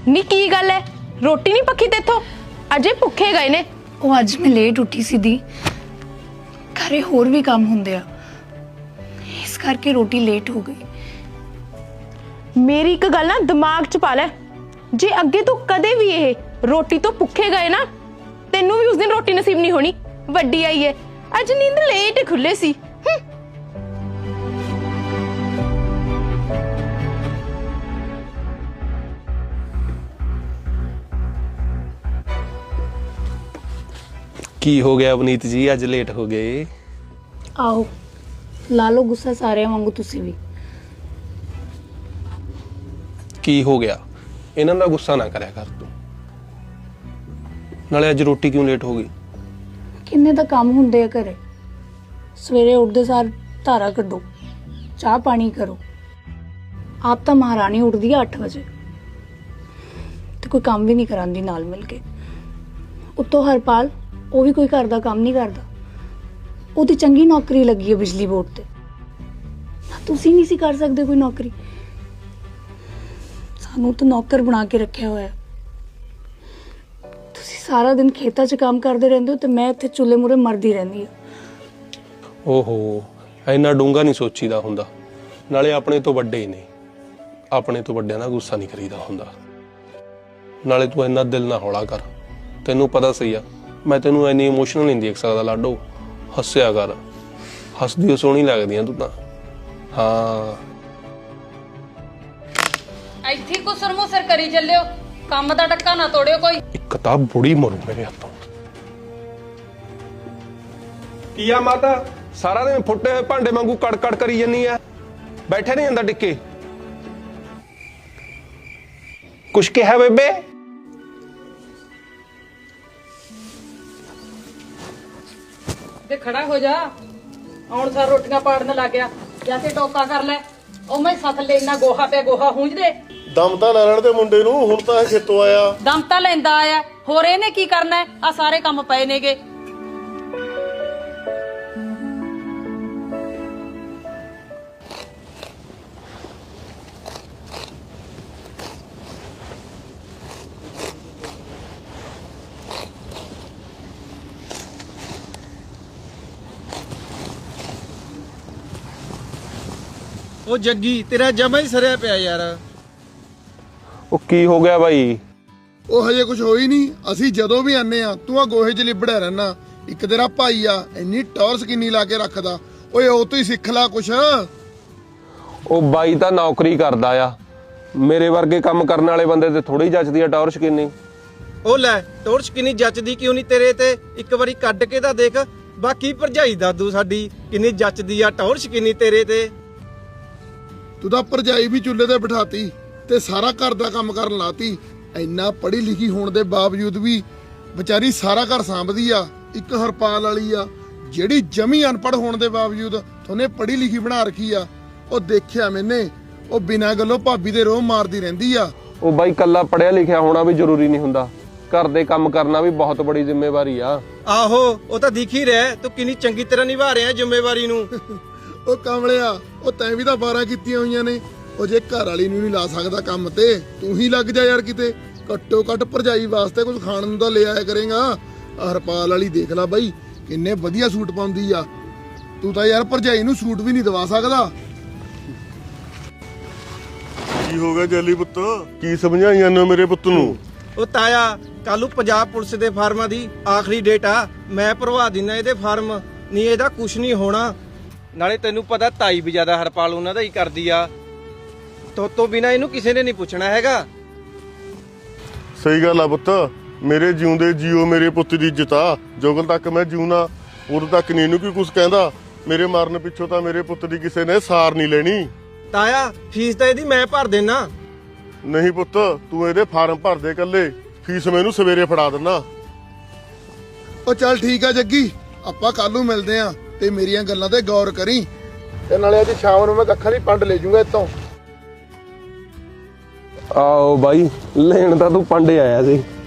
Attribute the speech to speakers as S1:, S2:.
S1: ਨੀ ਕੀ ਗੱਲ ਹੈ, ਰੋਟੀ ਨਹੀਂ ਪੱਕੀ ਤੇਥੋਂ? ਅਜੇ ਭੁੱਖੇ ਗਏ ਨੇ।
S2: ਉਹ ਅੱਜ ਮੈਂ ਲੇਟ ਉੱਠੀ ਸੀ ਦੀ, ਘਰੇ ਹੋਰ ਵੀ ਕੰਮ ਹੁੰਦੇ ਆ, ਇਸ ਕਰਕੇ ਰੋਟੀ ਲੇਟ ਹੋ ਗਈ।
S1: ਮੇਰੀ ਇੱਕ ਗੱਲ ਨਾ ਦਿਮਾਗ 'ਚ ਪਾ ਲੈ, ਜੇ ਅੱਗੇ ਤੋਂ ਕਦੇ ਵੀ ਇਹ ਰੋਟੀ ਤੋਂ ਭੁੱਖੇ ਗਏ ਨਾ, ਤੈਨੂੰ ਵੀ ਉਸ ਦਿਨ ਰੋਟੀ ਨਸੀਬ ਨਹੀਂ ਹੋਣੀ। ਵੱਡੀ ਆਈ ਹੈ, ਅੱਜ ਨੀਂਦ ਲੇਟ ਖੁੱਲੇ ਸੀ।
S3: ਕੀ ਹੋ ਗਿਆ ਅਵਨੀਤ ਜੀ, ਅੱਜ ਲੇਟ ਹੋ ਗਏ?
S2: ਆਓ ਲਾ ਲਓ ਗੁੱਸਾ ਸਾਰਿਆਂ ਵਾਂਗੂ ਤੁਸੀਂ ਵੀ।
S3: ਕੀ ਹੋ ਗਿਆ? ਇਹਨਾਂ ਦਾ ਗੁੱਸਾ ਨਾ ਕਰਿਆ ਕਰ ਤੂੰ। ਨਾਲੇ ਅੱਜ ਰੋਟੀ ਕਿਉਂ ਲੇਟ ਹੋ ਗਈ?
S2: ਕਿੰਨੇ ਤਾਂ ਕੰਮ ਹੁੰਦੇ ਆ ਘਰੇ। ਸਵੇਰੇ ਉੱਠਦੇ ਸਾਰ ਧਾਰਾ ਕੱਢੋ, ਚਾਹ ਪਾਣੀ ਕਰੋ। ਆਪ ਤਾਂ ਮਹਾਰਾਣੀ ਉੱਠਦੀ ਆ 8 ਵਜੇ ਤੇ ਕੋਈ ਕੰਮ ਵੀ ਨਹੀਂ ਕਰਾਂਦੀ ਨਾਲ ਮਿਲ ਕੇ। ਉੱਤੋਂ ਹਰਪਾਲ, ਉਹ ਵੀ ਕੋਈ ਘਰ ਦਾ ਕੰਮ ਨਹੀਂ ਕਰਦਾ। ਉਹਦੀ ਚੰਗੀ ਨੌਕਰੀ ਲੱਗੀ ਹੈ ਬਿਜਲੀ ਬੋਰਡ ਤੇ। ਤੁਸੀਂ ਨਹੀਂ ਸੀ ਕਰ ਸਕਦੇ ਕੋਈ ਨੌਕਰੀ? ਸਾਨੂੰ ਤਾਂ ਨੌਕਰ ਬਣਾ ਕੇ ਰੱਖਿਆ ਹੋਇਆ। ਤੁਸੀਂ ਸਾਰਾ ਦਿਨ ਖੇਤਾਂ 'ਚ ਕੰਮ ਕਰਦੇ ਰਹਿੰਦੇ ਹੋ ਤੇ ਮੈਂ ਇੱਥੇ ਚੁੱਲ੍ਹੇ ਮੂਹਰੇ ਮਰਦੀ ਰਹਿੰਦੀ ਹਾਂ।
S3: ਓਹੋ, ਇੰਨਾ ਡੂੰਘਾ ਨਹੀਂ ਸੋਚੀਦਾ ਹੁੰਦਾ। ਨਾਲੇ ਆਪਣੇ ਤੋਂ ਵੱਡੇ ਨੇ, ਆਪਣੇ ਤੋਂ ਵੱਡਿਆਂ ਦਾ ਗੁੱਸਾ ਨਹੀਂ ਕਰੀਦਾ ਹੁੰਦਾ। ਨਾਲੇ ਤੂੰ ਇੰਨਾ ਦਿਲ ਨਾ ਹੌਲਾ ਕਰ। ਤੈਨੂੰ ਪਤਾ ਸਹੀ ਆ, ਮੈਂ ਤੈਨੂੰ ਇੰਨੀ ਇਮੋਸ਼ਨਲ ਨਹੀਂ ਦੇਖ ਸਕਦਾ ਲਾਡੋ। ਹੱਸਿਆ ਕਰ, ਹੱਸਦੀ ਸੋਹਣੀ ਲੱਗਦੀ ਆ ਤੂੰ ਤਾਂ। ਹਾਂ,
S4: ਇੱਥੇ ਕੁਸਰ ਮੁਸਰ ਕਰੀ ਚੱਲਿਓ, ਕੰਮ ਦਾ ਟੱਕਾ ਨਾ ਤੋੜਿਓ ਕੋਈ।
S3: ਇੱਕ ਤਾਂ ਬੁੜੀ ਮਰੂ ਮੇਰੇ ਹੱਥੋਂ। ਕੀ ਆ ਮਾਤਾ, ਸਾਰਾ ਦਿਨ ਫੁੱਟੇ ਹੋਏ ਭਾਂਡੇ ਵਾਂਗੂ ਕੜਕੜ ਕਰੀ ਜੰਨੀ ਆ? ਬੈਠੇ ਨਹੀਂ ਜਾਂਦਾ ਟਿੱਕੇ? ਕੁਛ ਕਿਹਾ ਬੇਬੇ?
S4: ਤੇ ਖੜਾ ਹੋ ਜਾ, ਆਉਣ ਸਾਰ ਰੋਟੀਆਂ ਪਾੜਨ ਲੱਗ ਗਿਆ। ਜਾਂ ਤੇ ਟੋਕਾ ਕਰ ਲੈ। ਉਹ ਮੈਂ ਸੱਤ ਲੈ ਇੰਨਾ ਗੋਹਾ ਪਿਆ, ਗੋਹਾ ਹੂੰਝ ਦੇ।
S5: ਦਮ ਤਾਂ ਲੈ ਲੈਣ ਦੇ ਮੁੰਡੇ ਨੂੰ, ਹੁਣ ਤਾਂ ਇਹ ਖੇਤੋਂ ਆਇਆ।
S4: ਦਮ ਤਾਂ ਲੈਂਦਾ ਆਇਆ, ਹੋਰ ਇਹਨੇ ਕੀ ਕਰਨਾ? ਆ ਸਾਰੇ ਕੰਮ ਪਏ ਨੇਗੇ।
S6: ਉਹ ਜੱਗੀ, ਤੇਰਾ ਜਮਾ ਹੀ ਸਰਿਆ ਪਿਆ ਯਾਰ।
S3: ਉਹ ਕੀ ਹੋ ਗਿਆ ਬਾਈ?
S5: ਉਹ ਹਜੇ ਕੁਝ ਹੋਈ ਨਹੀਂ। ਅਸੀਂ ਜਦੋਂ ਵੀ ਆਨੇ ਆ ਤੂੰ ਆ ਗੋਹੇ 'ਚ ਲਿਬੜਿਆ ਰਹਿਣਾ। ਇੱਕ ਤੇਰਾ ਭਾਈ ਆ, ਇੰਨੀ ਟੌਰਸ ਕਿੰਨੀ ਲਾ ਕੇ ਰੱਖਦਾ। ਓਏ ਉਹ ਤੋਂ ਹੀ ਸਿੱਖ ਲੈ ਕੁਛ।
S3: ਉਹ ਬਾਈ ਤਾਂ ਨੌਕਰੀ ਕਰਦਾ ਆ। ਮੇਰੇ ਵਰਗੇ ਕੰਮ ਕਰਨ ਵਾਲੇ ਬੰਦੇ ਤੇ ਥੋੜੀ ਜੱਚਦੀ ਆ ਟੌਰਚ ਕਿੰਨੀ।
S6: ਉਹ ਲੈ, ਟੋਰਚ ਕਿੰਨੀ ਜੱਚਦੀ ਕਿਉਂ ਨਹੀਂ ਤੇਰੇ ਤੇ? ਇੱਕ ਵਾਰੀ ਕੱਢ ਕੇ ਤਾਂ ਦੇਖ। ਬਾਕੀ ਭਰਜਾਈ ਦਾਦੂ ਸਾਡੀ ਕਿੰਨੀ ਜੱਚਦੀ ਆ, ਟੌਰਚ ਕਿੰਨੀ ਤੇਰੇ ਤੇ।
S5: ਤੂੰ ਤਾਂ ਭਰਜਾਈ ਵੀ ਚੁੱਲ੍ਹੇ ਤੇ ਬਿਠਾਤੀ ਤੇ ਸਾਰਾ ਘਰ ਦਾ ਕੰਮ ਕਰਨ ਲਾਤੀ। ਇੰਨਾ ਪੜ੍ਹੀ ਲਿਖੀ ਹੋਣ ਦੇ ਬਾਵਜੂਦ ਵੀ ਵਿਚਾਰੀ ਸਾਰਾ ਘਰ ਸਾਂਭਦੀ ਆ। ਇੱਕ ਹਰਪਾਲ ਵਾਲੀ ਆ ਜਿਹੜੀ ਜਮੀ ਅਨਪੜ੍ਹ ਹੋਣ ਦੇ ਬਾਵਜੂਦ ਤੁਹਾਨੂੰ ਪੜ੍ਹੀ ਲਿਖੀ ਬਣਾ ਰੱਖੀ ਆ। ਉਹ ਦੇਖਿਆ ਮੈਨੇ, ਉਹ ਬਿਨਾਂ ਗੱਲੋਂ ਭਾਬੀ ਦੇ ਰੋਹ ਮਾਰਦੀ ਰਹਿੰਦੀ ਆ।
S3: ਉਹ ਬਾਈ ਕੱਲਾ ਪੜਿਆ ਲਿਖਿਆ ਹੋਣਾ ਵੀ ਜ਼ਰੂਰੀ ਨਹੀਂ ਹੁੰਦਾ, ਘਰ ਦੇ ਕੰਮ ਕਰਨਾ ਵੀ ਬਹੁਤ ਬੜੀ ਜ਼ਿੰਮੇਵਾਰੀ ਆ।
S6: ਆਹੋ, ਉਹ ਤਾਂ ਦਿਖ ਹੀ ਰਿਹਾ ਤੂੰ ਕਿੰਨੀ ਚੰਗੀ ਤਰ੍ਹਾਂ ਨਿਭਾ ਰਿਹਾ ਜ਼ਿੰਮੇਵਾਰੀ ਨੂੰ।
S5: ਉਹ ਕਮਲਿਆ, ਉਹ ਤੈਂ ਵੀ ਤਾਂ 12 ਕੀਤੀਆਂ ਹੋਈਆਂ ਨੇ। ਉਹ ਜੇ ਘਰ ਵਾਲੀ ਨੂੰ ਨਹੀਂ ਲਾ ਸਕਦਾ ਕੰਮ ਤੇ, ਤੂੰ ਹੀ ਲੱਗ ਜਾ ਯਾਰ ਕਿਤੇ। ਘੱਟੋ ਘੱਟ ਭਰਜਾਈ ਵਾਸਤੇ ਕੁਝ ਖਾਣ ਨੂੰ ਤਾਂ ਲੈ ਆਇਆ ਕਰੇਗਾ। ਹਰਪਾਲ ਵਾਲੀ ਦੇਖ ਲੈ ਬਾਈ, ਕਿੰਨੇ ਵਧੀਆ ਸੂਟ ਪਾਉਂਦੀ ਆ। ਤੂੰ ਤਾਂ ਯਾਰ ਭਰਜਾਈ ਨੂੰ ਸੂਟ ਵੀ ਨਹੀਂ ਦਵਾ ਸਕਦਾ।
S7: ਕੀ ਹੋ ਗਿਆ ਜੈਲੀ ਪੁੱਤ? ਕੀ ਸਮਝਾਈਆਂ ਨੇ ਮੇਰੇ ਪੁੱਤ ਨੂੰ?
S6: ਉਹ ਤਾਇਆ, ਕੱਲੂ ਪੰਜਾਬ ਪੁਲਿਸ ਦੇ ਫਾਰਮਾਂ ਦੀ ਆਖਰੀ ਡੇਟ ਆ। ਮੈਂ ਭਰਵਾ ਦਿੰਨਾ ਇਹਦੇ ਫਾਰਮ। ਨਹੀਂ ਇਹਦਾ ਕੁਝ ਨਹੀਂ ਹੋਣਾ। ਨਾਲੇ ਤੈਨੂੰ ਪਤਾ ਤਾਈ ਵੀ ਜ਼ਿਆਦਾ ਹਰਪਾਲ ਉਹਨਾਂ ਦਾ ਹੀ ਕਰਦੀ ਆ। ਤੋਂ ਬਿਨਾ ਇਹਨੂੰ ਕਿਸੇ ਨੇ ਨਹੀਂ ਪੁੱਛਣਾ ਹੈਗਾ।
S7: ਸਹੀ ਗੱਲ ਆ ਪੁੱਤ, ਮੇਰੇ ਜਿਉਂਦੇ ਜੀਓ ਮੇਰੇ ਪੁੱਤ ਦੀ ਇੱਜ਼ਤ ਆ। ਜੋਗਲ ਤੱਕ ਮੈਂ ਜਿਉਣਾ, ਉਦੋਂ ਤੱਕ ਨਹੀਂ ਇਹਨੂੰ ਕੀ ਕੁਝ ਕਹਿੰਦਾ। ਮੇਰੇ ਮਾਰਨ ਪਿੱਛੋਂ ਤਾਂ ਮੇਰੇ ਪੁੱਤ ਦੀ ਕਿਸੇ ਨੇ ਸਾਰ ਨਹੀਂ ਲੈਣੀ।
S6: ਤਾਇਆ, ਫੀਸ ਤਾਂ ਇਹਦੀ ਮੈਂ ਭਰ ਦੇਣਾ।
S7: ਨਹੀਂ ਪੁੱਤ, ਤੂੰ ਇਹਦੇ ਫਾਰਮ ਭਰ ਦੇ ਕੱਲੇ, ਫੀਸ ਮੈਨੂੰ ਸਵੇਰੇ ਫੜਾ ਦਿੰਨਾ।
S5: ਉਹ ਚੱਲ ਠੀਕ ਆ ਜੱਗੀ, ਆਪਾਂ ਕੱਲ ਨੂੰ ਮਿਲਦੇ ਆ ਤੇ ਮੇਰੀਆਂ ਗੱਲਾਂ ਤੇ ਗੌਰ ਕਰੀ। ਤੇ ਨਾਲੇ ਅੱਜ ਸ਼ਾਮ ਨੂੰ ਮੈਂ ਕੱਖਾਂ ਦੀ ਪੰਡ ਲੈ ਜੂੰਗਾ ਇੱਥੋਂ।
S3: ਆਓ ਬਾਈ, ਲੈਣ ਤਾਂ ਤੂੰ ਪਾਂਡੇ ਆਇਆ ਸੀ।